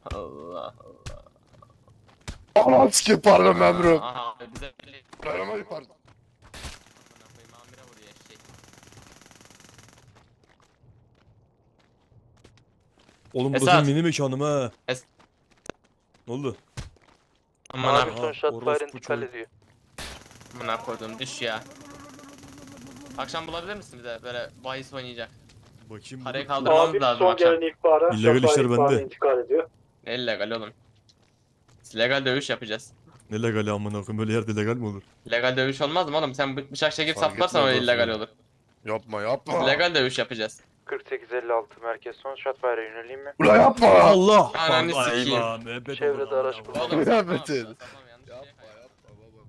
Allah Allah. Aman sikim pardon memurum. Aha bize belli. Aramayı pardon. Amına koyayım amire vuruyor eşek. Oğlum burası Esat. mini mekanım ha. Es- Ne oldu? Amına Aha, Son shotfire orospu intikal çocuk. ediyor. amına koydum düş ya. Akşam bulabilir misin bize böyle bahis oynayacak? Bakayım. Parayı dur. kaldırmamız Abi lazım son akşam. gelen ihbara İllegal şoför işler ihbarı bende. intikal ediyor. Ne illegal oğlum? Biz legal dövüş yapacağız. Ne legali amına koyayım, böyle yerde legal mi olur? Legal dövüş olmaz mı oğlum? Sen bıçak çekip Fark saplarsan o etmez illegal aslında. olur. Yapma Biz yapma. legal dövüş yapacağız. 4856 merkez son shotfire'a yöneleyim mi? Ulan yapma. Allah! Ananı Allah, sikeyim. eyvah, müebbet Çevrede olur amına araç koyayım. bulundu. Oğlum Ya saplama, Metin. saplama, yanlış şeye Yapma kayıyor. yapma baba.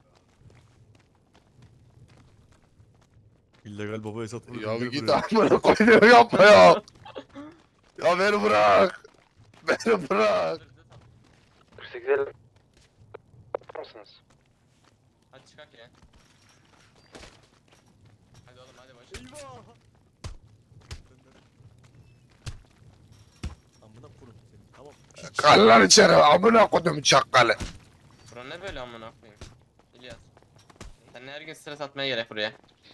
İllegal baba Esat. Ya git amına koyuyor yapma ya. Ya beni bırak. Beni bırak. 4856 mısınız? Hadi çıkak ya. Hadi oğlum hadi boş. Amına koyayım seni, tamam. Kallar içeri amına koydum çakalı. Bura ne böyle amına koyayım? İlyas. Sen her gün stres atmaya gerek buraya.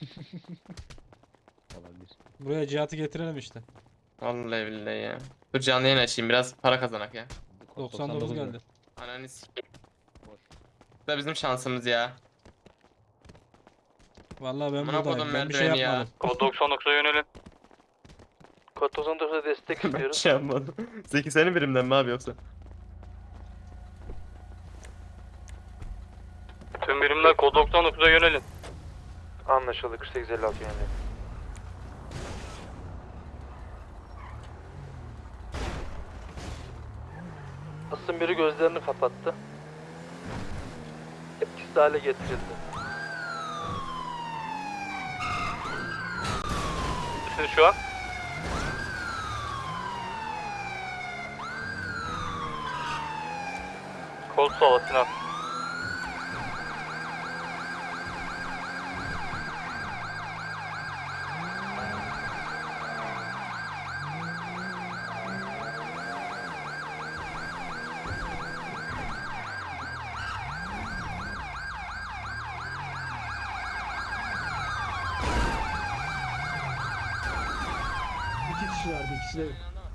Buraya Cihat'ı getirelim işte. Vallahi billahi ya. Dur canlı yayın açayım biraz para kazanak ya. 99 geldi. Ananı s**eyim. Bu da bizim şansımız ya. Vallahi ben Amına kodum buradayım. Ben bir şey merdiveni ya. yapmadım. Kod 99'a yönelin. Kod 99'a destek istiyoruz. Şey yapmadım. Zeki senin birimden mi abi yoksa? Tüm birimler kod 99'a yönelin. Anlaşıldı 4856 yönelin. Asım biri gözlerini kapattı. Etkisiz hale getirildi. Siz şu an? Kol sova Sinan. İki kişi vardı, ikisi de.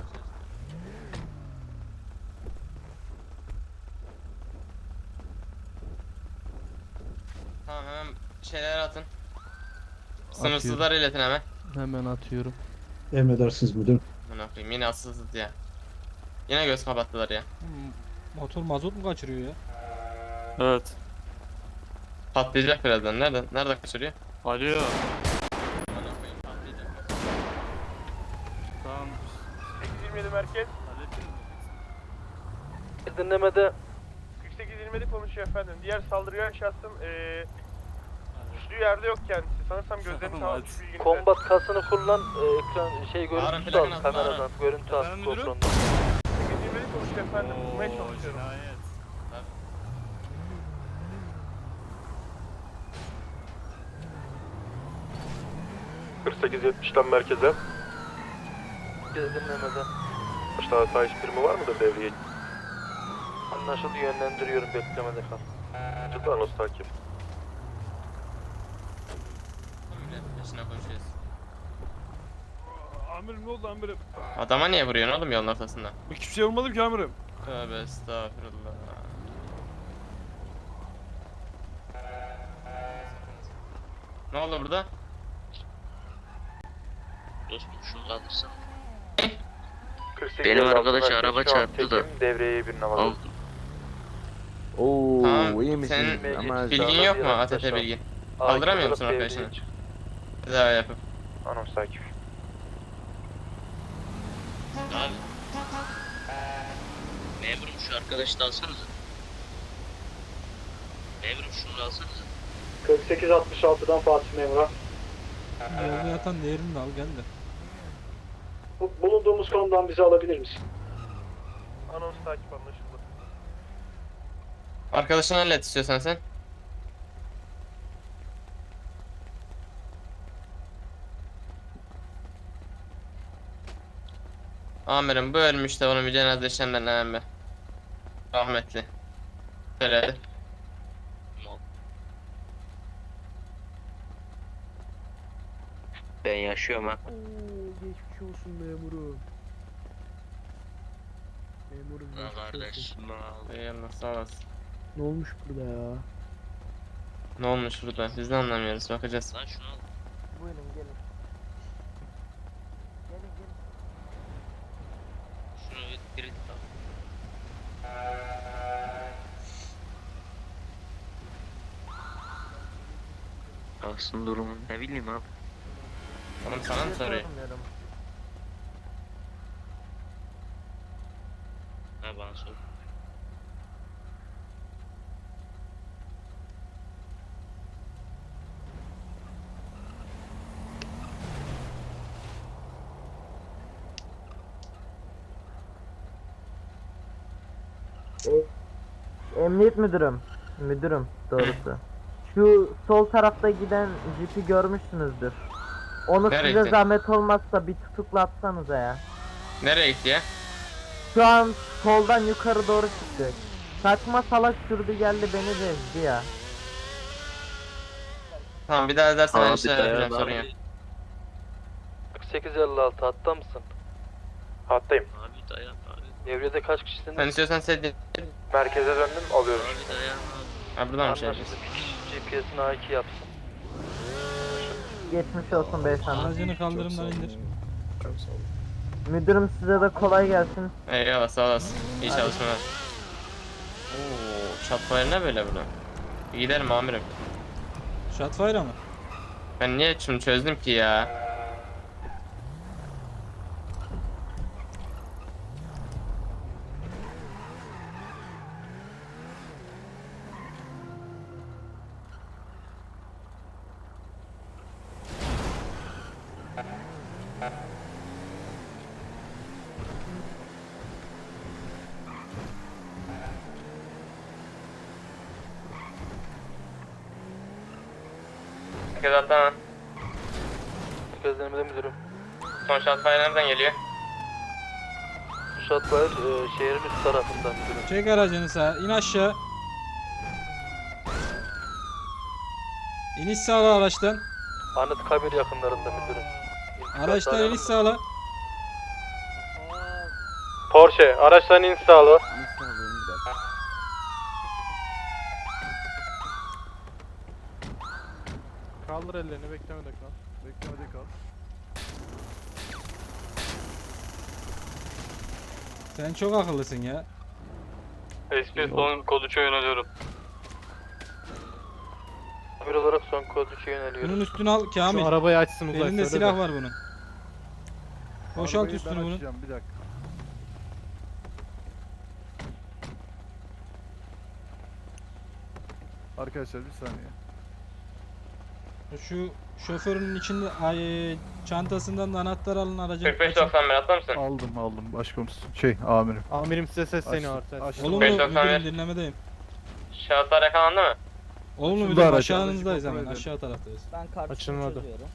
Tamam hemen şeyler atın. Sınırsızlar iletin hemen. Hemen atıyorum. Emredersiniz müdürüm. Amına koyayım yine asılsız ya. Yine göz kapattılar ya. Motor mazot mu kaçırıyor ya? Evet. Patlayacak birazdan. Nerede kaçırıyor? Alo. Amına koyayım patlayacak. Tamam. 827 merkez. Dinlemede 4827 konuşuyor efendim. Diğer saldırgan şahsın düştüğü yerde yok kendisi. Sanırsam gözlerini Tamam, sağlamış bilginize. kombat kasını kullan ekran Ağrın görüntüsü plakını al atın, kameradan ağrın. görüntü al Efendim müdürüm? GoPro'ndan. 827 konuşuyor efendim. Bulmaya çalışıyorum. Cinayet. 4870'den merkeze. Biz dinlemede. Başta hata birimi var mıdır devreye? Anlaşıldı yönlendiriyorum beklemede kal. Tıklanos takip. Milletin peşine koşuyoruz. Amirim ne oldu amirim? Adama niye vuruyorsun oğlum yolun ortasında? Hiçbir şey olmadı ki amirim. Tövbe estağfurullah. Ne oldu burada? Dostum şunu kaldırsana. 48 Benim arkadaş merkez, araba şu an çarptı da. tekim, devreye bir Al. Oo, Tamam, iyi misin? senin Ama bilgin yok mu Biraz ATT aşağı. bilgin? Kaldıramıyor musun arkadaşını? Tedavi yapıp. Anons takip. Abi. Memurum şu arkadaşı da alsanıza. Memurum şunu da alsanıza. 4866'dan Fatih Memur'a. Yolda yatan değerini de al gel de. Bulunduğumuz konumdan bizi alabilir misin? Anons takip anlaşıldı. Arkadaşını hallet istiyorsan sen. Amirim bu ölmüş de onun bir cenaze işlemlerine hemen bir. Rahmetli. Söyledi. Ben yaşıyorum ha. Geçmiş olsun memurum. Memurum Ha kardeşim al. Eyvallah sağ olasın. Ne olmuş burada ya? Ne olmuş burada? Biz de anlamıyoruz. Bakacağız. Lan şunu al. Buyurun gelin. Şunu bir al. Aslında durumu ne bileyim abi. Oğlum sana mı soruyor? Ha bana sor. Emniyet müdürüm doğrusu. Şu sol tarafta giden jipi görmüşsünüzdür. Onu Nereye size gitti? zahmet olmazsa bir tutuklatsanıza ya. Nereye gitti ya? Şu an soldan yukarı doğru çıktı. Saçma salak sürdü geldi beni de ezdi ya. Tamam bir daha edersen ben Abi işte dayan yapacağım sorun yok. abi. 4856 hatta mısın? Hattayım. Abi dayan abi. Devrede kaç kişisiniz? Sen istiyorsan sedye. Merkeze döndüm alıyorum. Abi dayan abi. Ha buradan bir şey Anlaşıldı. yapacağız. Bir kişi GPS'ini A2 yapsın. Geçmiş olsun beyefendi. Aracını kaldırımdan indir. Müdürüm size de kolay gelsin. Eyvallah sağ olasın. İyi çalışmalar. Oo, shotfire ne böyle bunu? Bir gidelim amirim. Shotfire mı? Ben niye şunu çözdüm ki ya? Herkes atlama. Gözlemede müdürüm. Son shotfire nereden geliyor? Shotfire şehrin üst tarafından müdürüm. Çek aracını sağa. İn aşağı. İniş sağla araçtan. Anıtkabir yakınlarında müdürüm. Araçtan iniş sağla. Porsche araçtan iniş sağla. Kaldır ellerini beklemede kal. Beklemede kal. Sen çok akıllısın ya. SP son kod 3'e yöneliyorum. Bir olarak son kod 3'e yöneliyorum. Bunun üstünü al Kamil. Şu arabayı açsın uzay. Elinde silah var bunun. Boşalt Arabayı üstünü ben bunun. açacağım, bir dakika. Arkadaşlar bir saniye. Şu şoförün içinde çantasından da anahtar alın aracın. 45-91 atlar mısın? Aldım başkomiserim. Amirim. Amirim size sesleniyor artık. Olumlu 45-91. müdürüm dinlemedeyim. Şahıslar yakalandı mı? Olumlu Şurada müdürüm araç, aşağınızdayız aracı hemen kontrol aşağı taraftayız. Ben kartımı Açılmadı. çözüyorum.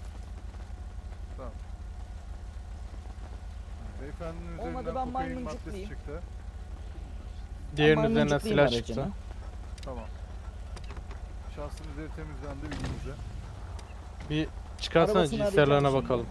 Beyefendinin Olmadı, üzerinden ben kokain maymuncuklayayım. maddesi çıktı. Diğerinin üzerinden silah çıktı. Tamam. Şahsın üzeri temizlendi bilginize. Bir çıkarsana cinslerlerine bakalım.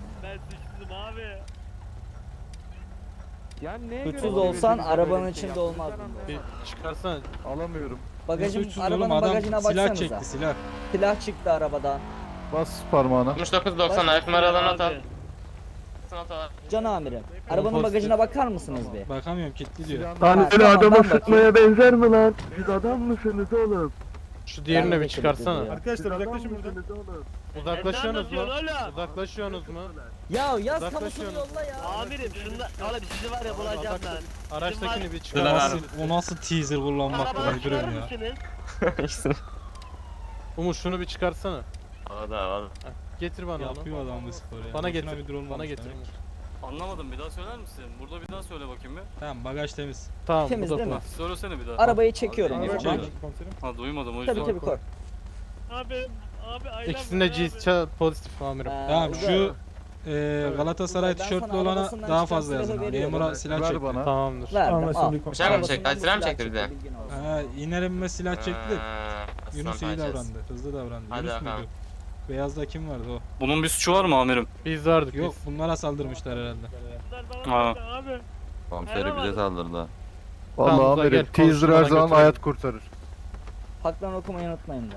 Suçsuz olsan arabanın içinde olmazdın. Bir çıkarsana. Alamıyorum. Bagajın, Suçsuz arabanın oğlum adam bagajına silah baksanıza. çekti silah. Silah çıktı arabadan. Bas parmağına. 69-90 ayak numaralarını not al. Can amirim. Arabanın Pozitif. bagajına bakar mısınız bir? Bakamıyorum kilitli diyor. Silahını Lan öyle adama sıkmaya benzer mi lan? Siz adam mısınız oğlum? Şu diğerini Ben de bir çıkarsana. kilitli Arkadaşlar uzaklaşın buradan. Uzaklaşıyorsunuz mu? Uzaklaşıyorsunuz mu? Ya yaz Uzaklaşıyorum. kamusunu yolla ya. Amirim şunda oğlum sizi var ya bulacağım ben. Araçtakini bir O çıkar. nasıl teaser kullanmak bu müdürüm ya. mısınız? Umut şunu bir çıkarsana. Valla. Getir bana onu. Yapıyor adam bu sporu ya. Bana Boşuna getir. müdür olmamış Bana getir. demek. Anlamadım bir daha söyler misin? Burada bir daha söyle bakayım bir. Tamam bagaj temiz. Tamam Temiz bu da değil mi? bu. Söylesene bir daha. Arabayı çekiyorum o Arabayı zaman. çek. Ha duymadım o yüzden. Tabii tabii kork. Abi ailem İkisinde pozitif amirim. Tamam Uzay- şu Galatasaray tişörtlü olana daha fazla yazın. Memura silah Ver çekti. bana. Tamamdır. Bıçak mı çekti? Silah mı çekti bir de? Ha, iner inmez silah çekti. Aslan Yunus iyi parçası. davrandı. Hızlı davrandı. Hadi Yunus bakalım. muydu? Beyazda kim vardı o? Bunun bir suçu var mı amirim? Biz vardık Yok biz. bunlara saldırmışlar herhalde. Ha. Komiseri bize saldırdı. Vallahi Tamam, amirim gel, teaser her konuşmadan zaman götürelim. hayat kurtarır. Haklarını okumayı unutmayın da.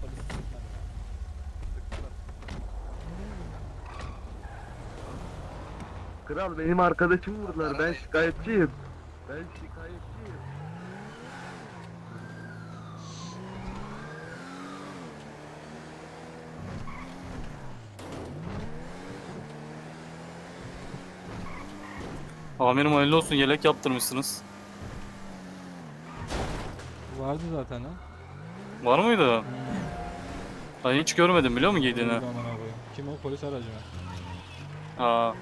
Kral benim arkadaşım vurdular. Ben şikayetçiyim. Ben şikayetçiyim. Amirim hayırlı olsun, yelek yaptırmışsınız. Vardı zaten ha. Var mıydı? Ben hiç görmedim biliyor musun giydiğini? Öldü amına koyayım. Kim o? Polis aracı mı? Ha.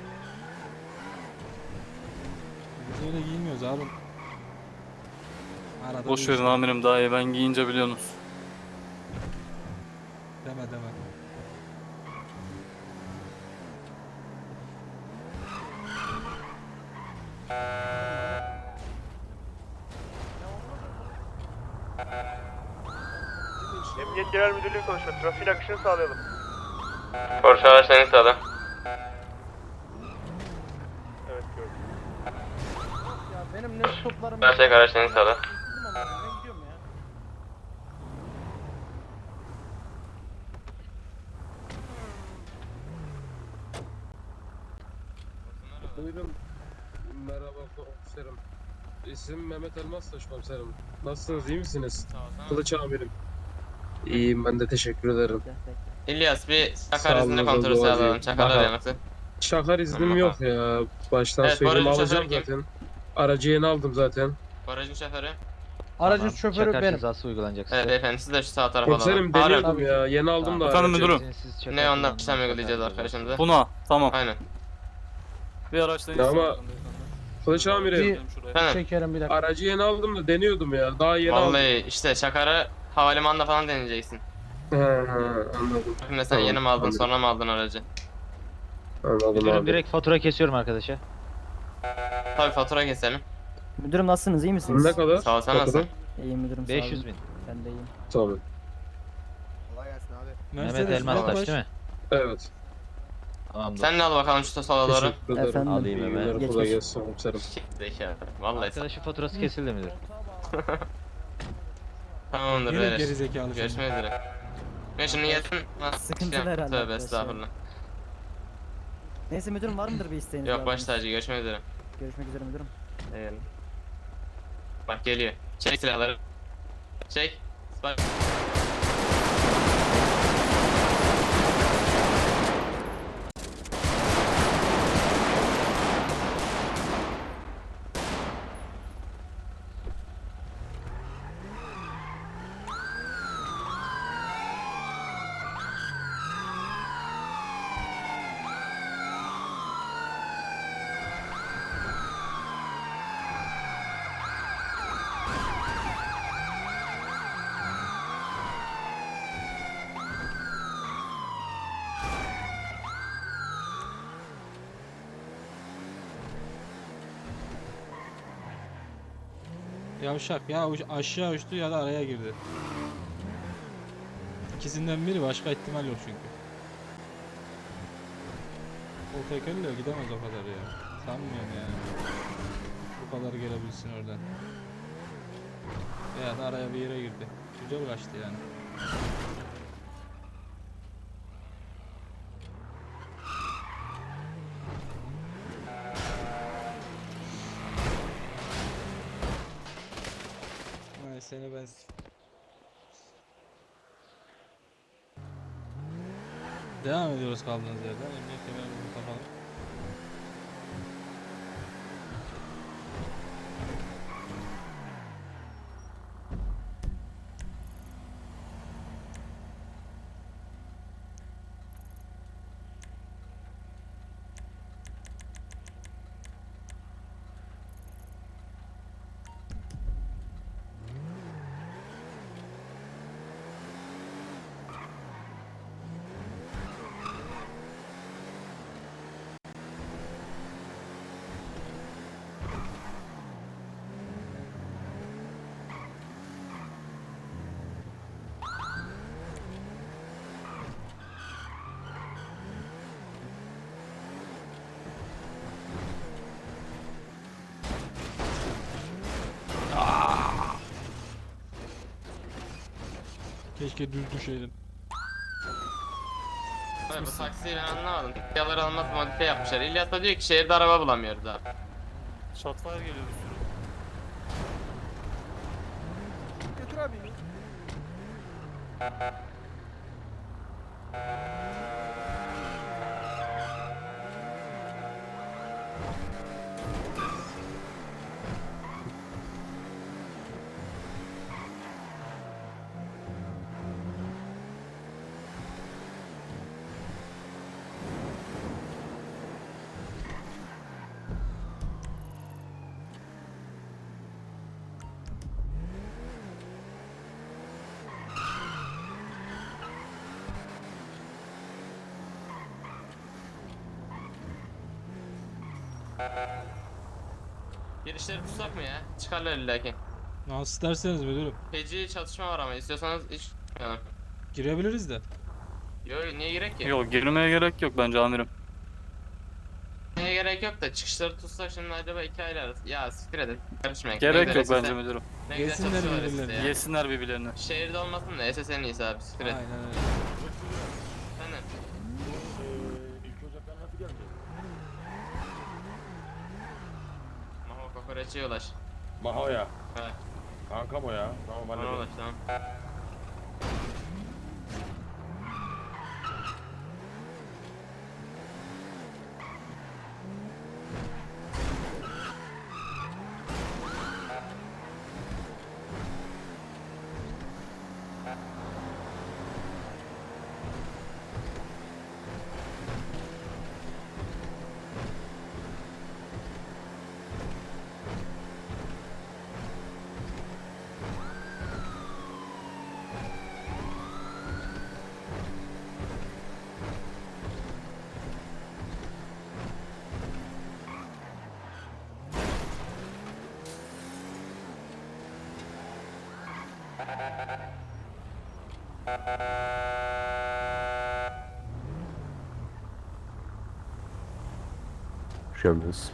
Biz öyle giymiyoruz abi. Arada Boş bir verin amirim, daha iyi ben giyince biliyorsunuz. Deme deme. Emniyet Genel Müdürlüğü konuşuyor. Trafiğin akışını sağlayalım. Porsche araçlarını sağla. Evet gördüm. Benim ne toplarım Ben çek araçlarını sağla. Buyurun. Merhaba komiserim. İsim Mehmet Elmastaş komiserim. Nasılsınız, iyi misiniz? Kılıç amirim. İyiyim, ben de teşekkür ederim. İlyas bir Sağ çakar olun, izni kontrolü Doğacığım. sağlayalım. Çakarlar Bakalım. yanıtı. Şakar iznim Tamam, yok ya. Baştan Evet, söyleyeyim, barajın alacağım şoförü zaten. Aracı yeni aldım zaten. Aracın şoförü. Aracın şoförü benim. Evet beyefendi siz de şu sağ tarafa Komiserim alalım. Harun. deniyordum ya. Yeni aldım da Efendim aracı. müdürüm. Ne ondan işlem uygulayacağız arkadaşımıza. Buna tamam. Aynen. Bir araçtan Ya ama- istedim. Kılıç amirim. Efendim. Çekerim bir dakika. Aracı yeni aldım da deniyordum ya. Daha yeni aldım. Vallahi işte Çakar'ı havalimanında falan deneyeceksin. He anladım. Şimdi sen Tamam, yeni mi aldın anladım. sonra mı aldın aracı? Anladım abi. fatura kesiyorum arkadaşa. Tabii fatura keselim. Müdürüm nasılsınız, iyi misiniz? Ne kadar? Sağ ol, sen Ne nasılsın? kadar? İyiyim müdürüm, 500 bin. Ben de iyiyim. Tamam. Mercedes Elmastaş değil mi? Evet. Sen de al bakalım şu sola doğru. Teşekkür ederim. Efendim? İyi günler, Geçmiş. kolay gelsin komiserim. Zeka. Vallahi. Arkadaşın faturası kesildi müdür. Tamamdır Yine beyler. gerizekalı seni. Görüşmek üzere. Ben şimdi yesin. Sıkıntılı herhalde Tövbe arkadaşlar. estağfurullah. Neyse müdürüm, var mıdır bir isteğiniz? Yok daha baş benim? tacı görüşmek üzere. Görüşmek üzere müdürüm. Eyvallah. Bak geliyor. Çek silahları. Çek. Bak. Yavşak ya aşağı uçtu ya da araya girdi. İkisinden biri, başka ihtimal yok çünkü. O tekerle gidemez o kadar ya. Sanmıyorum yani. Bu kadar gelebilsin oradan. Ya da araya bir yere girdi. Güzel kaçtı yani. Ay seni ben... Devam ediyoruz kaldığınız yerden. Emniyet kemerimizi takalım. Keşke düz düşeydin. Abi bu taksiyi ben anlamadım. Yaları almaz modifiye yapmışlar. İlyas da diyor ki şehirde araba bulamıyoruz abi. Shotfire geliyor bir sürü. Götür abi. Girişleri tutsak mı ya? Çıkarlar illaki. Nasıl isterseniz müdürüm. Feci çatışma var ama istiyorsanız hiç... Yani. Girebiliriz de. Yo niye gerek ki? Yok girmeye gerek yok bence amirim. Niye gerek yok da çıkışları tutsak şimdi acaba 2 aile arası. Ya siktir edin. Karışmayın. Gerek yok bence müdürüm. Ne güzel Yesinler çatışıyorlar birbirlerini. işte ya. Yesinler birbirlerini. Şehirde olmasın da SS'nin iyisi abi siktir et. Aynen öyle. Sen de. Maho kokoreççiye ulaş. Maho ya. Evet. Kankam o ya. Tamam Bana ulaş tamam. Hoş geldiniz.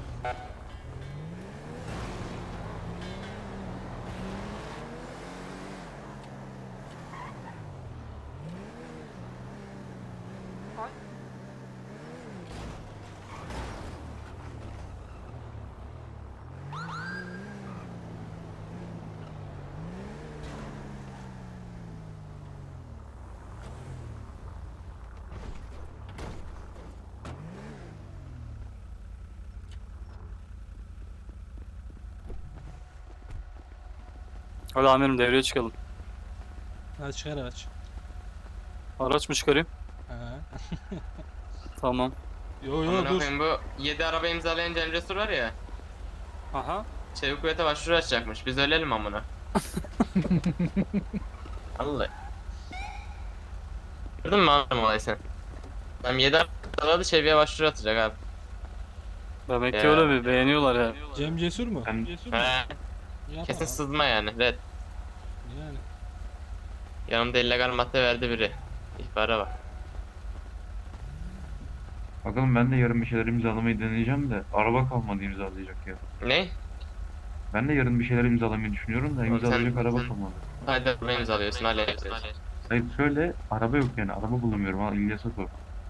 Hadi amirim devreye çıkalım. Hadi çıkar aç. Araç mı çıkarayım? Ha. Tamam. Yo yo Amına dur. koyayım bu 7 araba imzalayan Cem Cesur var ya. Aha. Çevik kuvvete başvuru açacakmış. Biz ölelim amına. Vallahi. Gördün mü anladım olayı sen? Tam 7 araba çeviğe başvuru atacak abi. Demek ki Ya. öyle bir beğeniyorlar ya. Cem Cesur mu? Cesur mu? He, Yapma. kesin sızma yani. Red. Yani. Yanımda illegal madde verdi biri. İhbara bak. Bakalım ben de yarın bir şeyler imzalamayı deneyeceğim de araba kalmadı imzalayacak ya. Ne? Ben de yarın bir şeyler imzalamayı düşünüyorum da imzalayacak sen- araba sen- kalmadı. Hadi araba imzalıyorsun hallederiz. Hayır şöyle araba yok yani araba bulamıyorum ha İlyas'a sor.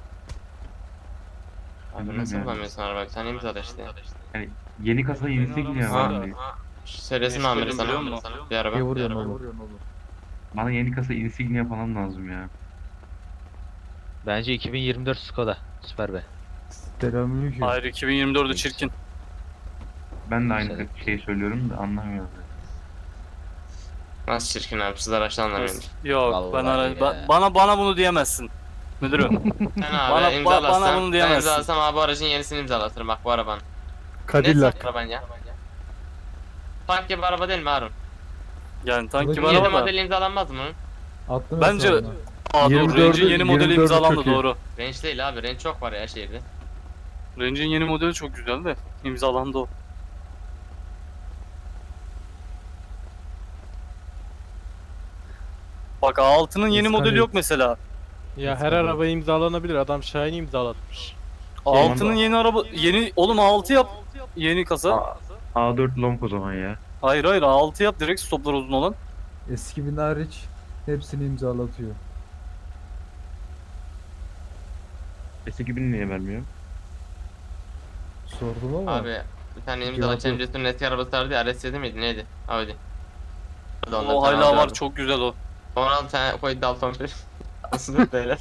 Abi nasıl bulamıyorsun araba? Sen imzala işte. Yani yeni kasa insignia Ha. var diye. Söylesin Meşgulüm amiri sana. biliyor musun? Bir araba. Bir araba. Bana yeni kasa insignia falan lazım ya. Bence 2024 Skoda. Süper be. Selamünaleyküm. Hayır 2024'ü çirkin. Ben de aynı şeyi söylüyorum da anlamıyorum. Nasıl çirkin abi siz araçtan anlamıyorsunuz. Yok ben Vallahi bana bunu diyemezsin. Müdürüm. Sen abi Bana imzalarsan bunu ben diyemezsin. imzalasam abi bu aracın yenisini imzalatırım bak bu arabanın. Ne Cadillac. sen araban ya? Tank gibi araba değil mi Harun? Yani tank gibi Yeni araba da. modeli imzalanmaz mı? Bence doğru. 24'ü Range'in yeni modeli 24'ü imzalandı çok iyi. doğru. Range değil abi range çok var ya şehirde. Range'in yeni modeli çok güzel de imzalandı o. Bak A6'nın yeni modeli yok mesela. Ya her araba imzalanabilir. Adam Şahin imzalatmış. A6'nın yeni araba oğlum A6 yap. Yeni kasa. A4 long o zaman ya. Hayır A6 yap direkt stoplar uzun olan. Eski bin hariç. Hepsini imzalatıyor. S2000 niye vermiyor? Sordum ama. Abi bir tane imzala Cemces'in eski arabası vardı ya, RS7 miydi neydi? Audi. Hadi ondan O bir tane hala Audi var, aldım. çok güzel o. 16 tane koydu Dalton bir. Nasıl beyler?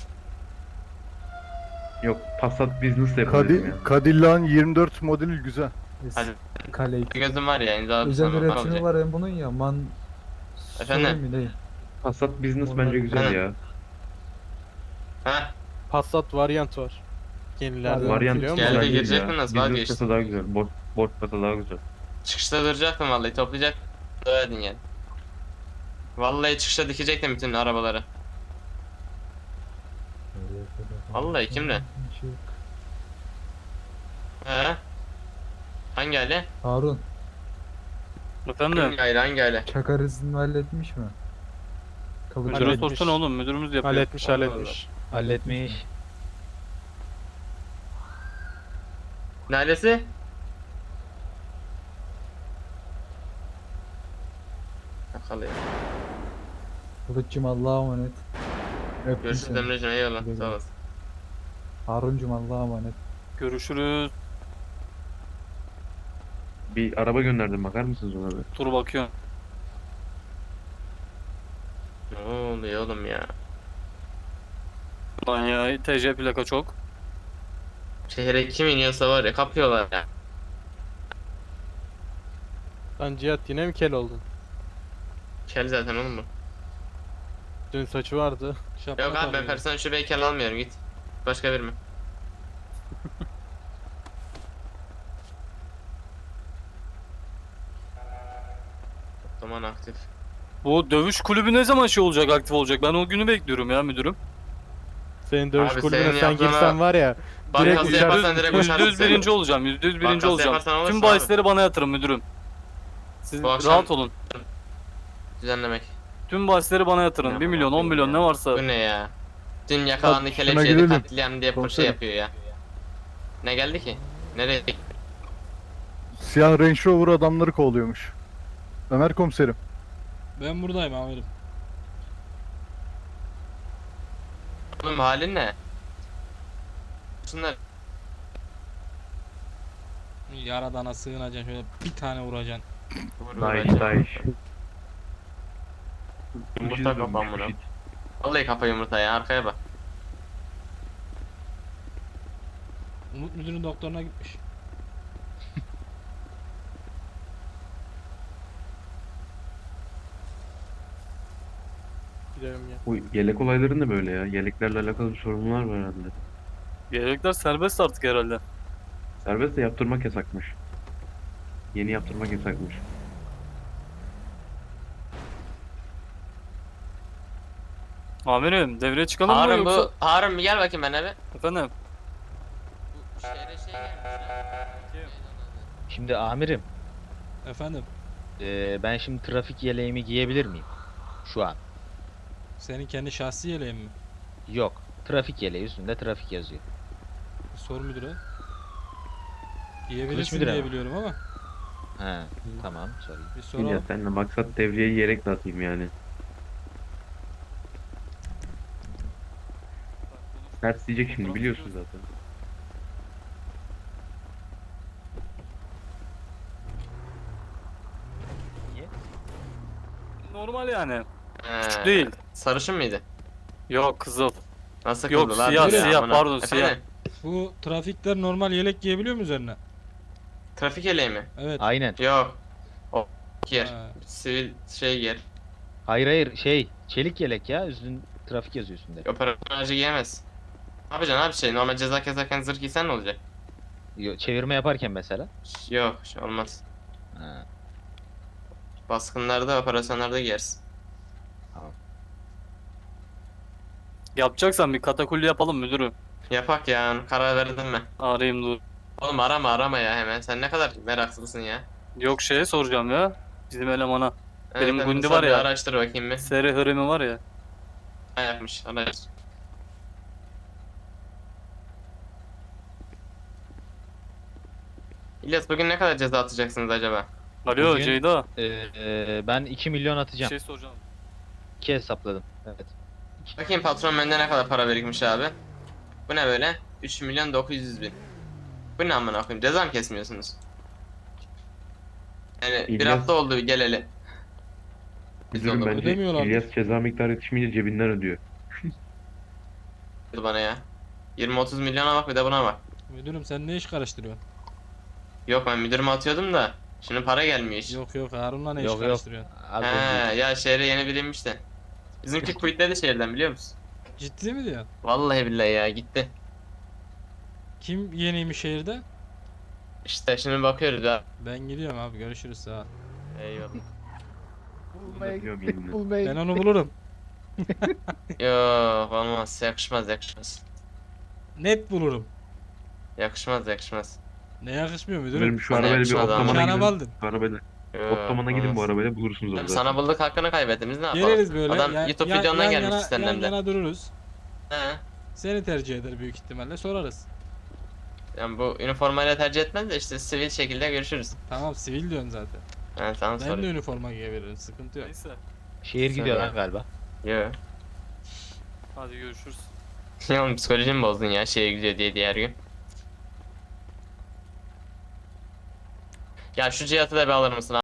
Yok, Passat Business de yapabilirim yani. Cadillac'ın 24 modeli güzel. Hadi. Kale Bir gözüm var ya, imzaladım özel sana. üretimi Olacak. var hem bunun ya. Efendim? Sorayım mı, değil? Passat Business Onlar- bence güzel ya. Ha? Passat variant var. Yenilerden Variant biliyor Geldi, musun? güzel değil girecek ya. mi, nasıl Business vazgeçtin? kasa daha güzel. Boş kasa daha güzel. Çıkışta duracaktım vallahi, toplayacak. Döverdin yani. Vallahi çıkışta dikecektim bütün arabaları. Vallahi kimle? He? Hangi aile? Harun, Efendim? Hangi aile? Hangi aile? Çakar izni halletmiş mi? Kabul Müdüre Halletmiş. sorsana oğlum, müdürümüz yapıyor. Halletmiş. Halletmiş. Ne ailesi? Bakalım. Kılıçcım Allah'a emanet. Öptüm Görüşürüz seni. Emre'cim, eyvallah. Güle Sağ güle. olasın. Haruncum Allah'a emanet. Görüşürüz. Bir araba gönderdim, bakar mısınız ona bir? Dur bakıyorum. Ne oluyor oğlum ya? Lan ya, TC plaka çok. Şehre kim iniyorsa var ya, kapıyorlar ya. Lan Cihat yine mi kel oldun? Kel zaten oğlum bu. Dün saçı vardı. Yok abi, ben personel şubeye kel almıyorum, git. Başka bir mi? Otoman aktif. Bu dövüş kulübü ne zaman şey olacak, aktif olacak? Ben o günü bekliyorum ya müdürüm. Senin dövüş Abi kulübüne senin sen yaptığına- girsen var ya. Bankası Direkt yaparsan direkt uçarsın. %100 birinci olacağım, %100 birinci Bankası olacağım. yaparsan alırsın Tüm abi. bahisleri bana yatırın müdürüm. Siz Bu akşam- rahat olun. Düzenlemek. Tüm bahisleri bana yatırın. 1 milyon, 10 milyon ne varsa. Bu ne ya? Dün yakalandı, Abi, şuna kelepçeydi, girelim. katliam diye şey Komiserim. yapıyor ya. Ne geldi ki? Nereye? Siyah Range Rover adamları kovalıyormuş. Ömer komiserim. Ben buradayım amirim. Oğlum halin ne? Şunlar Yaradana sığınacaksın, şöyle bir tane vuracaksın. Daha iş. Yumurta kafam bunu. Vallahi kafa yumurta ya, arkaya bak. Umut müdürün doktoruna gitmiş. Gidelim ya. Bu yelek olayları ne böyle ya? Yeleklerle alakalı bir sorunlar var herhalde. Yelekler serbest artık herhalde. Serbest de yaptırmak yasakmış. Yeni yaptırmak yasakmış. Amirim devreye çıkalım mı Harun yoksa? Harun bir gel bakayım ben eve. Efendim? Bu şehre şey gelmiş ya. Şimdi amirim, Efendim, ben şimdi trafik yeleğimi giyebilir miyim? Şu an. senin kendi şahsi yeleğin mi? Yok. Trafik yeleği üstünde trafik yazıyor. Sor müdüre. Kılıç Giyebilirsin müdüre diye mi? biliyorum ama He, tamam sorayım. bir Ya soralım. seninle maksat devreye yelek dağıtayım yani. Ters diyecek şimdi, biliyorsun zaten. Normal yani. He, Değil. Sarışın mıydı? Yok kızıl. Nasıl Yok, kıldı lan? siyah, Ya, siyah, amına. pardon, Efendim? siyah. Bu trafikler normal yelek giyebiliyor mu üzerine? Trafik eleği mi? Evet. Aynen. Yok. O giyer. Ha. Sivil şey giyer. Hayır şey, çelik yelek ya, üstün trafik yazıyor üstünde. Operasyon aracı giyemez. Ne yapacaksın abi şey? Normal ceza kezerken zırh giysen ne olacak? Çevirme yaparken mesela. Yok, şey olmaz. Ha, Baskınlarda, operasyonlarda giyersin. Yapacaksan bir katakulli yapalım müdürüm. Yapak ya, karar verdin mi? Arayayım dur. Oğlum arama ya hemen. Sen ne kadar meraklısın ya. Yok şeye soracağım ya. Bizim elemana. Benim ben Gundi sana var bir ya. Araştır bakayım bir. Seri hırimi var ya. Ne yapmış? Araştır. İlyas bugün ne kadar ceza atacaksınız acaba? Alo Bugün- Ceyda. ben 2 milyon Bir atacağım. şey soracağım. 2 hesapladım. Evet. Bakayım patron bende ne kadar para birikmiş abi. Bu ne böyle? 3.900.000. Bu ne amına koyayım? Ceza mı kesmiyorsunuz? Yani bir İlyas- hafta oldu geleli. Müdürüm oldu. bence Ödemiyorlardır. İlyas ceza miktarı yetişmeyince cebinden ödüyor. Bana ya. 20-30 milyona bak bir de buna bak. Müdürüm sen ne iş karıştırıyorsun? Yok ben müdürüme atıyordum da. Şimdi para gelmiyor hiç. Yok yok Harun'la ne iş Yok, yok. karıştırıyorsun? Az He önce. ya şehre yeni biri inmiş de. Bizimki quitledi şehirden biliyor musun? Ciddi mi diyorsun? Vallahi billahi ya gitti. Kim yeniymiş şehirde? İşte şimdi bakıyoruz ya. Ben gidiyorum abi görüşürüz sağ ol. Eyvallah. Ödüyor elinden. Ben onu bulurum. Yok olmaz yakışmaz yakışmaz. Net bulurum. Yakışmaz yakışmaz. Ne yakışmıyor müdürüm? Müdürüm şu Bana arabayla bir yakışmaz ama. ottomana Nişanı gidin. aldın. Şu arabayla. Yok, Ottomana gidin bu olmaz. arabayla bulursunuz Oğlum orada. sana bulduk hakkını kaybettiniz ne yapalım? Geliriz böyle. Adam YouTube videondan gelmiş yan senden de. yana dururuz. He. Seni tercih eder büyük ihtimalle sorarız. Yani bu üniformayla tercih etmez de işte sivil şekilde görüşürüz. Tamam sivil diyorsun zaten. Ben sana Ben de sorayım. üniforma giyebilirim sıkıntı yok. Neyse. Şehir gidiyor Sen- lan galiba. Yok. Hadi görüşürüz. Ya oğlum psikolojimi bozdun ya şeye gidiyor diye diğer gün. Ya şu Cihat'ı da bir alır mısın